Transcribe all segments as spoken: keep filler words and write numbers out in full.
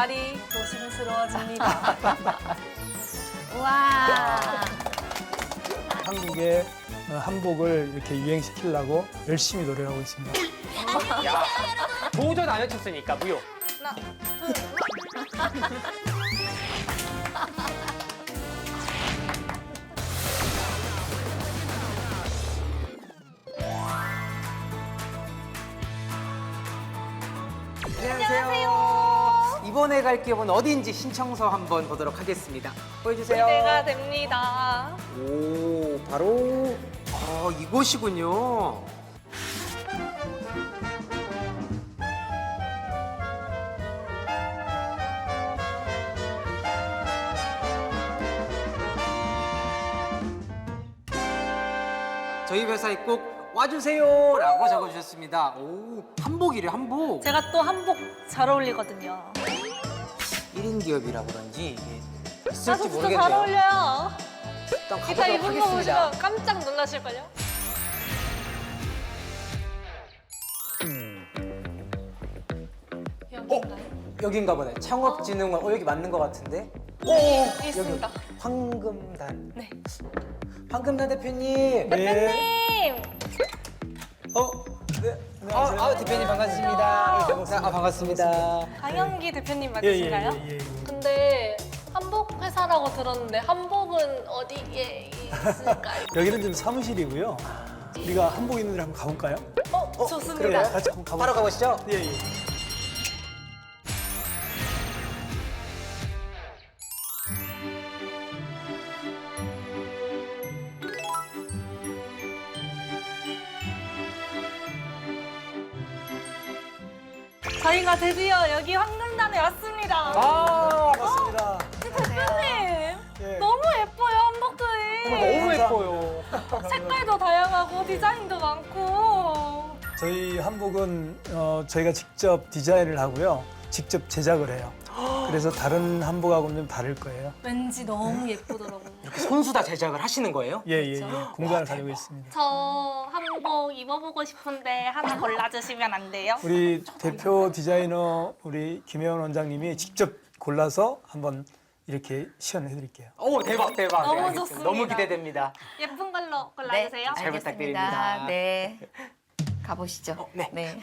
말이 조심스러워집니다. 와. 한국의 한복을 이렇게 유행시키려고 열심히 노력하고 있습니다. 야, 도전 안 외쳤으니까 무효. 하나, 둘, 안녕하세요. 이번에 갈 기업은 어디인지 신청서 한번 보도록 하겠습니다. 보여주세요. 기대가 됩니다. 오, 바로 어, 이곳이군요. 저희 회사에 꼭 와주세요라고 적어주셨습니다. 오, 한복이래, 한복. 제가 또 한복 잘 어울리거든요. 일 인 기업이라 그런지 이게 아, 있을지 저 진짜 모르겠네요. 잘 어울려요. 일단 이따 가보도록 입은 거 하겠습니다. 보시면 깜짝 놀라실걸요? 여기인가요? 여긴가 보네. 창업진흥원. 어, 여기 맞는 것 같은데? 오, 여기 있습니다. 황금단. 네. 황금단 대표님. 대표님! 어? 네, 아, 아, 대표님 반갑습니다. 아, 반갑습니다. 강영기 대표님 예, 예, 맞으신가요? 예, 예, 예. 근데 한복 회사라고 들었는데 한복은 어디에 있을까요? 여기는 좀 사무실이고요. 우리가 한복 있는 데 한번 가볼까요? 어, 어, 좋습니다. 그래요. 같이 한번 가볼까요? 바로 가보시죠. 예, 예. 저희가 드디어 여기 황금단에 왔습니다. 아, 반갑습니다. 대표님! 예. 너무 예뻐요, 한복들이. 너무 감사합니다. 예뻐요. 색깔도 다양하고 디자인도 많고. 저희 한복은 어, 저희가 직접 디자인을 하고요. 직접 제작을 해요. 그래서 다른 한복하고는 좀 다를 거예요. 왠지 너무 예쁘더라고요. 손수 다 제작을 하시는 거예요? 예, 예, 예. 공간을 가지고 있습니다. 저 한복 입어보고 싶은데 하나 골라주시면 안 돼요? 우리 대표 디자이너 우리 김혜원 원장님이 직접 골라서 한번 이렇게 시연해 드릴게요. 오, 대박, 대박. 너무 네, 알겠습니다. 좋습니다. 너무 기대됩니다. 예쁜 걸로 네, 골라주세요. 잘 알겠습니다. 부탁드립니다. 네. 가보시죠. 어, 네. 네.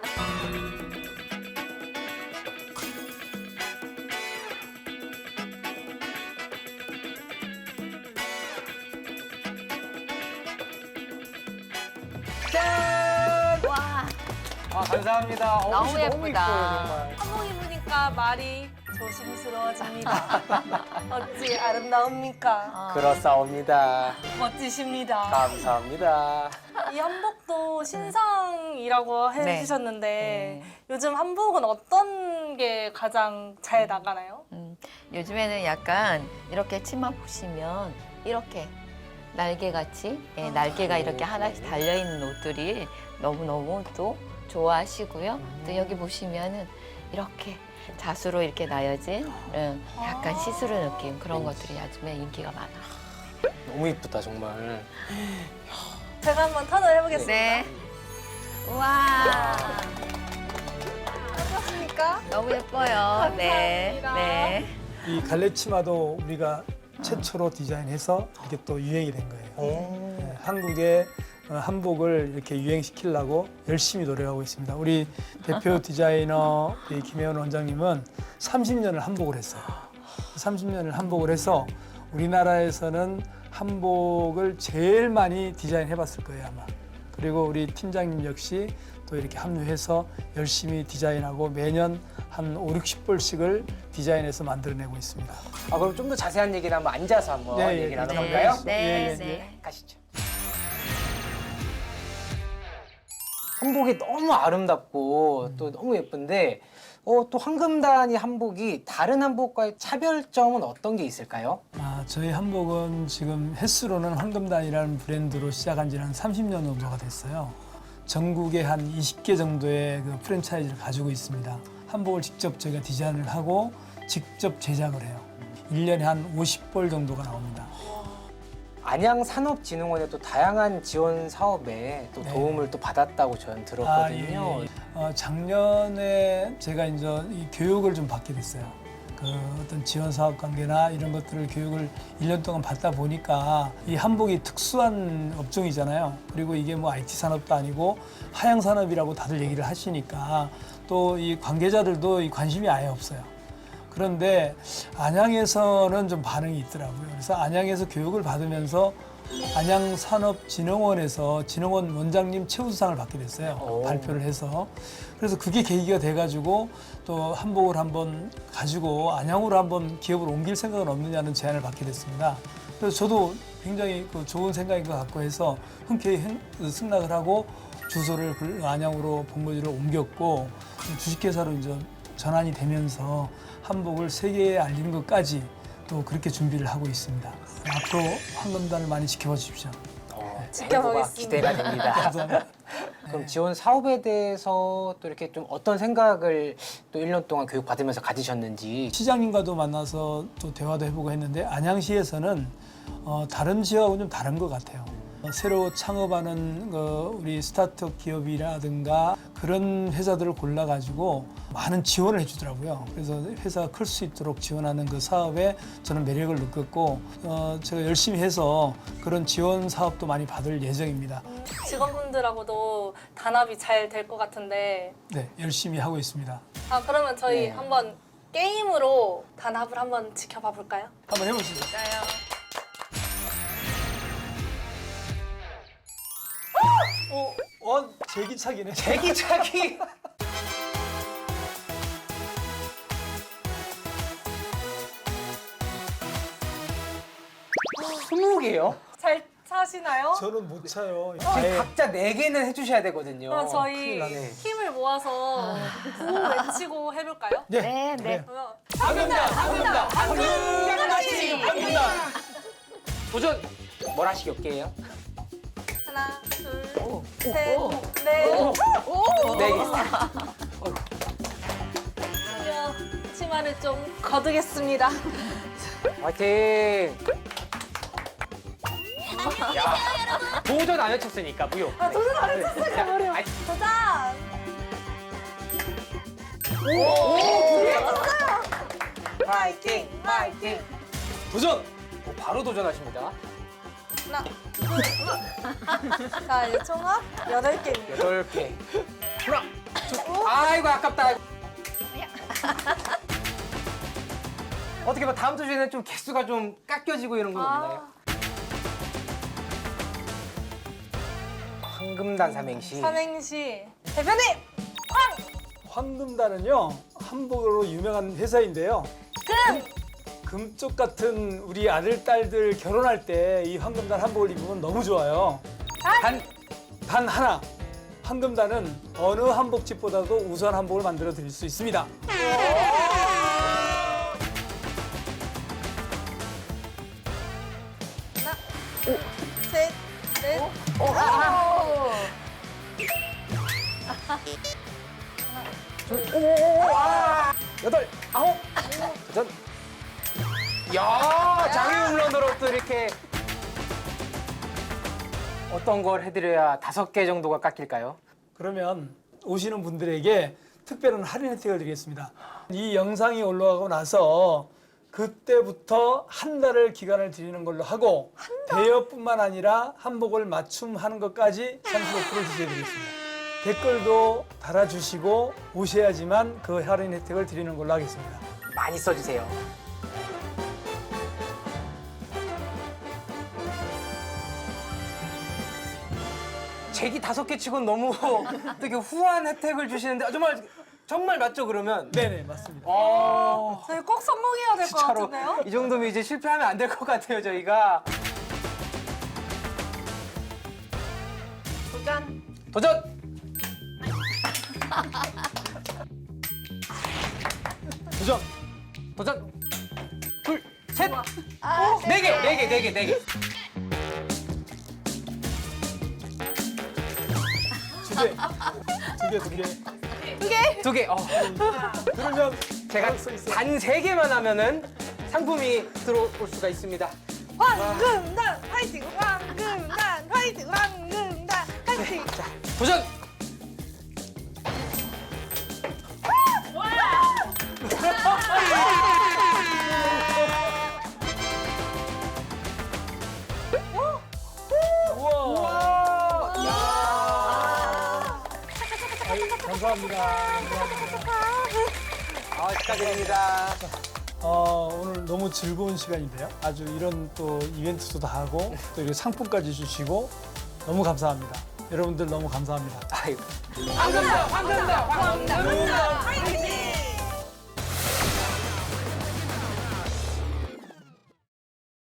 짠! 와. 아, 감사합니다. 어, 너무 옷이 예쁘다. 이뻐요, 정말. 한복 입으니까 말이 조심스러워집니다. 어찌 아름다웁니까? 그렇사옵니다. 멋지십니다. 감사합니다. 이 한복도 신상이라고 네. 해주셨는데 네. 요즘 한복은 어떤 게 가장 잘 나가나요? 음, 요즘에는 약간 이렇게 치마 보시면 이렇게 날개같이 예, 날개가 이렇게 하나씩 달려있는 옷들이 너무너무 또 좋아하시고요. 또 여기 보시면은 이렇게 자수로 이렇게 나여진 음, 약간 시스루 느낌 그런 것들이 요즘에 인기가 많아요. 너무 이쁘다, 정말. 제가 한번 턴을 해보겠습니다. 네. 우와. 어떻습니까? 너무 예뻐요. 네. 감사합니다. 네. 이 갈래 치마도 우리가 최초로 디자인해서 이게 또 유행이 된 거예요. 오. 네, 한국의 어, 한복을 이렇게 유행시키려고 열심히 노력하고 있습니다. 우리 대표 디자이너 우리 김혜원 원장님은 삼십 년을 한복을 했어요. 삼십 년을 한복을 해서 우리나라에서는 한복을 제일 많이 디자인해 봤을 거예요, 아마. 그리고 우리 팀장님 역시 또 이렇게 합류해서 열심히 디자인하고 매년 한 오륙십 벌씩을 디자인해서 만들어내고 있습니다. 아, 그럼 좀 더 자세한 얘기를 한번 앉아서 한번 네, 예, 얘기 네. 나눠볼까요? 네. 예, 예, 네. 가시죠. 한복이 너무 아름답고 또 너무 예쁜데 어, 또 황금단이 한복이 다른 한복과의 차별점은 어떤 게 있을까요? 아, 저희 한복은 지금 횟수로는 황금단이라는 브랜드로 시작한 지는 한 삼십 년 정도가 됐어요. 전국에 한 이십 개 정도의 그 프랜차이즈를 가지고 있습니다. 한복을 직접 저희가 디자인을 하고 직접 제작을 해요. 일 년에 한 오십 벌 정도가 나옵니다. 안양산업진흥원의 또 다양한 지원 사업에 또 네. 도움을 또 받았다고 저는 들었거든요. 아, 예, 예. 어, 작년에 제가 이제 이 교육을 좀 받게 됐어요. 그 어떤 지원 사업 관계나 이런 것들을 교육을 일 년 동안 받다 보니까 이 한복이 특수한 업종이잖아요. 그리고 이게 뭐 아이티 산업도 아니고 하향 산업이라고 다들 얘기를 하시니까 또 이 관계자들도 이 관심이 아예 없어요. 그런데 안양에서는 좀 반응이 있더라고요. 그래서 안양에서 교육을 받으면서 안양산업진흥원에서 진흥원 원장님 최우수상을 받게 됐어요. 오. 발표를 해서. 그래서 그게 계기가 돼가지고 또 한복을 한번 가지고 안양으로 한번 기업을 옮길 생각은 없느냐는 제안을 받게 됐습니다. 그래서 저도 굉장히 그 좋은 생각인 것 같고 해서 흔쾌히 행- 승낙을 하고 주소를 그 안양으로 본거지를 옮겼고 주식회사로 이제 전환이 되면서 한복을 세계에 알리는 것까지 또 그렇게 준비를 하고 있습니다. 앞으로 황금단을 많이 지켜봐 주십시오. 어, 지켜보겠습니다. 기대가 됩니다. 감사합니다. 그럼 지원 사업에 대해서 또 이렇게 좀 어떤 생각을 또 일 년 동안 교육 받으면서 가지셨는지. 시장님과도 만나서 또 대화도 해보고 했는데 안양시에서는 어, 다른 지역하고는 좀 다른 것 같아요. 어, 새로 창업하는 어, 우리 스타트업 기업이라든가 그런 회사들을 골라가지고 많은 지원을 해주더라고요. 그래서 회사가 클 수 있도록 지원하는 그 사업에 저는 매력을 느꼈고 어, 제가 열심히 해서 그런 지원 사업도 많이 받을 예정입니다. 직원분들하고도 단합이 잘 될 것 같은데. 네, 열심히 하고 있습니다. 아, 그러면 저희 네. 한번 게임으로 단합을 한번 지켜봐 볼까요? 한번 해보시죠. 어, 어, 제기차기네. 대기차기. 스무 개요? 잘 차시나요? 저는 못 차요. 지금 아예 각자 네 개는 해주셔야 되거든요. 그럼 큰일 저희 나네. 힘을 모아서 구호 외치고 해볼까요? 네, 네, 그래요. 네. 그러면 황금단, 황금단, 황금같이, 황금단. 도전. 뭘 하시기 없게요? 하나, 둘, 오, 셋, 오, 넷. 오, 오. 네 개. 드디어 치마를 좀 거두겠습니다. 화이팅! 야, 도전 안 외쳤으니까 무효. 아, 도전 안 했었어요. 자, 어려워. 아이, 도전! 화이팅! 화이팅! 도전! 오, 바로 도전하십니다. 하나, 둘. 자, 이제 총합 여덟 개입니다. 여덟 개. 하나, 둘. 아이고 아깝다. 어떻게 봐 다음 주에는 좀 개수가 좀 깎여지고 이런 건 없나요? 아, 황금단 삼행시. 삼행시 대표님! 황금단은요 한복으로 유명한 회사인데요. 금! 금쪽 같은 우리 아들 딸들 결혼할 때 이 황금단 한복을 입으면 너무 좋아요. 단 단 하나, 황금단은 어느 한복집보다도 우수한 한복을 만들어 드릴 수 있습니다. 하나, 셋, 넷. 오, 아, 여덟 아홉 도전. 야 장애 홈런으로 또 이렇게 어떤 걸 해드려야 다섯 개 정도가 깎일까요? 그러면 오시는 분들에게 특별한 할인 혜택을 드리겠습니다. 이 영상이 올라가고 나서 그때부터 한 달을 기간을 드리는 걸로 하고 대여뿐만 아니라 한복을 맞춤하는 것까지 삼십오 퍼센트 지지해드리겠습니다. 댓글도 달아주시고 오셔야지만 그 할인 혜택을 드리는 걸로 하겠습니다. 많이 써주세요. 제기 다섯 개 치곤 너무 되게 후한 혜택을 주시는데 아, 정말 정말 맞죠 그러면? 네네 맞습니다. 어, 저희 꼭 성공해야 될 것 진짜로 같은데요? 이 정도면 이제 실패하면 안 될 것 같아요 저희가. 도전. 도전! 도전! 도전! 둘, 셋! 아, 네 개! 네 개, 네 개, 네 개. 두 개, 두 개, 두 개. 두 개. 어. 그러면 제가 가능성 있어요. 단 세 개만 하면은 상품이 들어올 수가 있습니다. 황금단 화이팅! 황금단 화이팅! 황금단 화이팅! 자, 도전! 우와. 아유, 감사합니다. 아, 축하드립니다. 어, 오늘 너무 즐거운 시간인데요. 아주 이런 또 이벤트도 다 하고 또 이렇게 상품까지 주시고 너무 감사합니다. 여러분들 너무 감사합니다. 아이고. 황금단 황금단 황금단 화이팅!